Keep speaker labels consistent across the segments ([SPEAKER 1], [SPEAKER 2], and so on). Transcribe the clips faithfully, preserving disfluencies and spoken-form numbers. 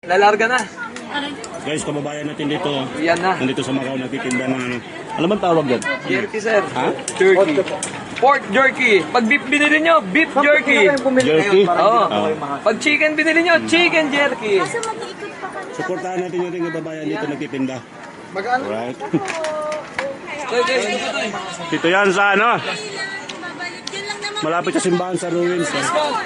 [SPEAKER 1] Lalarga na.
[SPEAKER 2] Guys, kababayan natin dito.
[SPEAKER 1] Yan na.
[SPEAKER 2] Nandito sa Macau, nagtitinda ng ano. Alam mo tawag yan?
[SPEAKER 1] Jerky, sir.
[SPEAKER 2] Ha?
[SPEAKER 1] Jerky. Pork jerky. Pag beef binili nyo, beef jerky.
[SPEAKER 2] Jerky?
[SPEAKER 1] Oo.
[SPEAKER 2] Oo.
[SPEAKER 1] Pag chicken binili nyo, chicken jerky.
[SPEAKER 3] Kaso mag-iikot pa kami.
[SPEAKER 2] Suportahan natin yung ating kababayan dito nagtitinda.
[SPEAKER 1] Magkano?
[SPEAKER 2] Alright.
[SPEAKER 1] Okay, guys, dito to eh.
[SPEAKER 2] Dito yan sa ano?
[SPEAKER 3] Babalik. Yun lang naman.
[SPEAKER 2] Malapit sa simbahan sa ruins. Eh.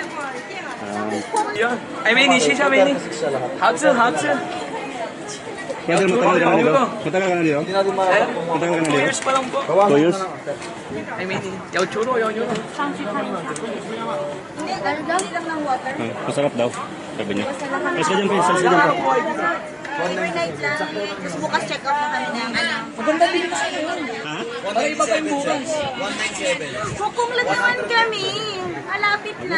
[SPEAKER 1] Yan. Ay, may nishi siya, may nishi. Hatsu, hatsu.
[SPEAKER 2] Brother, matagal ka na dito? Matagal ka na dito? Matagal ka na
[SPEAKER 1] Two
[SPEAKER 2] dito?
[SPEAKER 1] years pa lang po.
[SPEAKER 2] Two years?
[SPEAKER 1] Ay, may nishi. Yaw churo, yaw churo.
[SPEAKER 3] Hindi, ano daw? lang ng water.
[SPEAKER 2] Ah, masarap daw. Sabi niya. Ayos ka dyan, Pins. Ayos ka dyan.
[SPEAKER 3] Overnight lang. Tapos bukas check out na kami ng ano.
[SPEAKER 1] Maganda din kasi yun.
[SPEAKER 2] Ha?
[SPEAKER 1] Ay, iba pa yung bukas.
[SPEAKER 3] Kukumlat naman kami. Malapit na.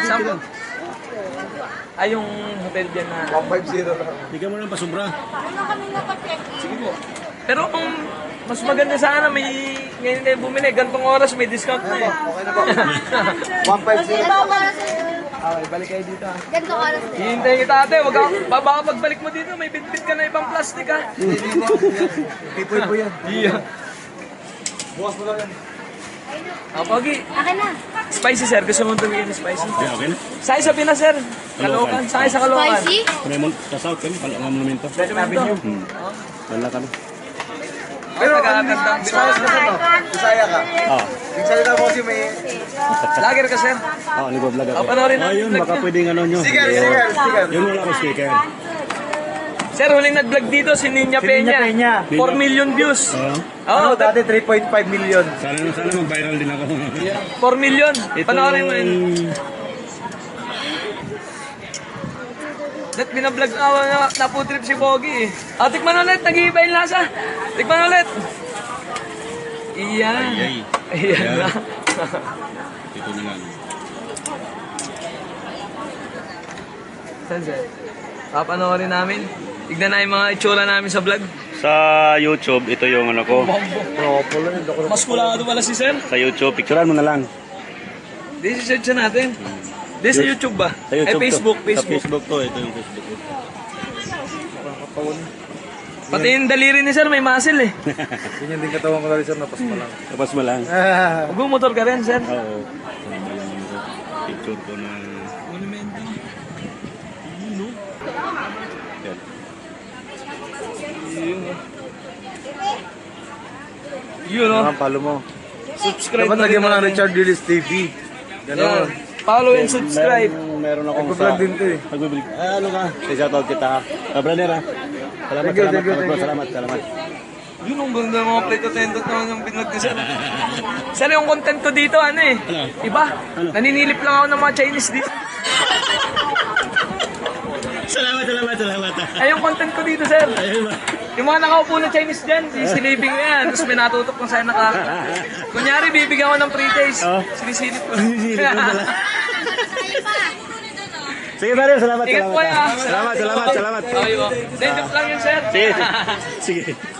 [SPEAKER 1] Ay, yung hotel dyan na.
[SPEAKER 2] Bigyan mo lang pasubra.
[SPEAKER 3] Ano kami napacheck?
[SPEAKER 1] Sige po. Pero kung mas maganda sana may ngayon kayo bumili, gantong oras may discount na eh.
[SPEAKER 3] Kasi bawal sa
[SPEAKER 1] Okay, balik kayo dito ah.
[SPEAKER 3] ganito oras na.
[SPEAKER 1] Hihintayin kita ate, wag ka, baka pagbalik mo dito, may bitbit ka na ibang plastic ah.
[SPEAKER 4] Pipoy po yan.
[SPEAKER 1] Iya.
[SPEAKER 4] Bukas mo lang yan.
[SPEAKER 1] Ah, Pogi,
[SPEAKER 3] Akin na.
[SPEAKER 1] spicy sir, gusto mo tumigil ng spicy?
[SPEAKER 2] Okay, okay na.
[SPEAKER 1] Sakay sa Pinas sir, Caloocan, sakay sa Caloocan.
[SPEAKER 3] Spicy?
[SPEAKER 2] Raymond, sa South kami, pala ang monumento.
[SPEAKER 1] Recommendo.
[SPEAKER 2] Hmm. Wala kami.
[SPEAKER 1] Pero taga-agandang
[SPEAKER 4] Bisaya ka sa no? Bisaya ka.
[SPEAKER 2] Ah,
[SPEAKER 4] Nagsalita mo kasi may...
[SPEAKER 1] Lager ka sir.
[SPEAKER 2] ah, nag-vlog ako.
[SPEAKER 1] Ah, panoorin
[SPEAKER 2] Ah,
[SPEAKER 1] natin
[SPEAKER 2] yun,
[SPEAKER 1] vlog
[SPEAKER 2] baka
[SPEAKER 1] niya.
[SPEAKER 2] pwedeng ano nyo.
[SPEAKER 4] Sticker,
[SPEAKER 2] Yun.
[SPEAKER 4] sticker, sticker.
[SPEAKER 2] Yun wala ko sticker.
[SPEAKER 1] Sir, huling nag-vlog dito si Niña
[SPEAKER 4] Si Niña
[SPEAKER 1] Peña.
[SPEAKER 4] Peña.
[SPEAKER 1] four million views.
[SPEAKER 2] Ah,
[SPEAKER 1] Oo,
[SPEAKER 4] Ano, dati three point five million.
[SPEAKER 2] sana sana mag-viral din ako.
[SPEAKER 1] four million.
[SPEAKER 2] Ito
[SPEAKER 1] Panoorin mo yun.
[SPEAKER 2] yung-
[SPEAKER 1] That binablog na ako na naputrip si Pogi eh. Ah, tikman ulit, nag-iiba yung lasa. Tikman ulit. Iyan.
[SPEAKER 2] Ay,
[SPEAKER 1] Iyan na.
[SPEAKER 2] ito na lang.
[SPEAKER 1] Saan sir? Papanoorin namin. Tignan na yung mga itsura namin sa vlog.
[SPEAKER 2] Sa YouTube, ito yung ano ko.
[SPEAKER 1] Mas kulado pala si sir.
[SPEAKER 2] Sa YouTube, picturean mo na lang.
[SPEAKER 1] Di si search natin. Di sa YouTube ba?
[SPEAKER 2] Sa YouTube
[SPEAKER 1] Ay, Facebook,
[SPEAKER 2] to. Sa
[SPEAKER 1] Facebook.
[SPEAKER 2] Facebook to, ito yung Facebook ko.
[SPEAKER 1] Pati yung daliri ni sir, may muscle eh.
[SPEAKER 4] Ganyan din katawan ko na rin sir, napas mo lang.
[SPEAKER 2] Tapos mo lang.
[SPEAKER 1] Huwag motor ka rin, sir.
[SPEAKER 2] Oo. Picture ko na...
[SPEAKER 1] Monumento.
[SPEAKER 2] Yan.
[SPEAKER 1] Yun oh. Yun oh.
[SPEAKER 4] Ang palo mo.
[SPEAKER 1] Subscribe
[SPEAKER 4] Dapat
[SPEAKER 1] na
[SPEAKER 4] lagyan
[SPEAKER 1] rin
[SPEAKER 4] mo ng
[SPEAKER 1] natin.
[SPEAKER 4] Richard Willis T V.
[SPEAKER 1] Yan.
[SPEAKER 4] Ganon.
[SPEAKER 1] Follow and subscribe.
[SPEAKER 2] Meron, meron akong
[SPEAKER 4] Nagpa-vlog din to eh.
[SPEAKER 2] Nagbibig. Ah, ano ka? Shoutout kita. Ah, brother ah. Salamat,
[SPEAKER 4] Thank you,
[SPEAKER 2] salamat,
[SPEAKER 4] thank you,
[SPEAKER 2] salamat,
[SPEAKER 4] thank you.
[SPEAKER 2] salamat, salamat.
[SPEAKER 1] Yun ang ganda ng mga plate attendant naman yung binlog ni sir. Sir, yung content ko dito, ano eh.
[SPEAKER 2] Ano?
[SPEAKER 1] Iba. Naninilip lang ako ng mga Chinese dito.
[SPEAKER 2] Salamat, salamat, salamat.
[SPEAKER 1] Ay, yung content ko dito, sir.
[SPEAKER 2] Ayun ba?
[SPEAKER 1] Yung mga nakaupo na Chinese dyan, sisilipin ko yan. Tapos may natutok kung saan naka... Kunyari, bibigyan ko ng pre-taste.
[SPEAKER 2] Oh.
[SPEAKER 1] Sinisilip ko.
[SPEAKER 2] Sisilip mo pala. Sige, brother, salamat,
[SPEAKER 1] Ingat
[SPEAKER 2] salamat.
[SPEAKER 1] po, ah.
[SPEAKER 2] Salamat, salamat, salamat.
[SPEAKER 1] Okay po. Then, joke lang yun, sir.
[SPEAKER 2] Sige, sige.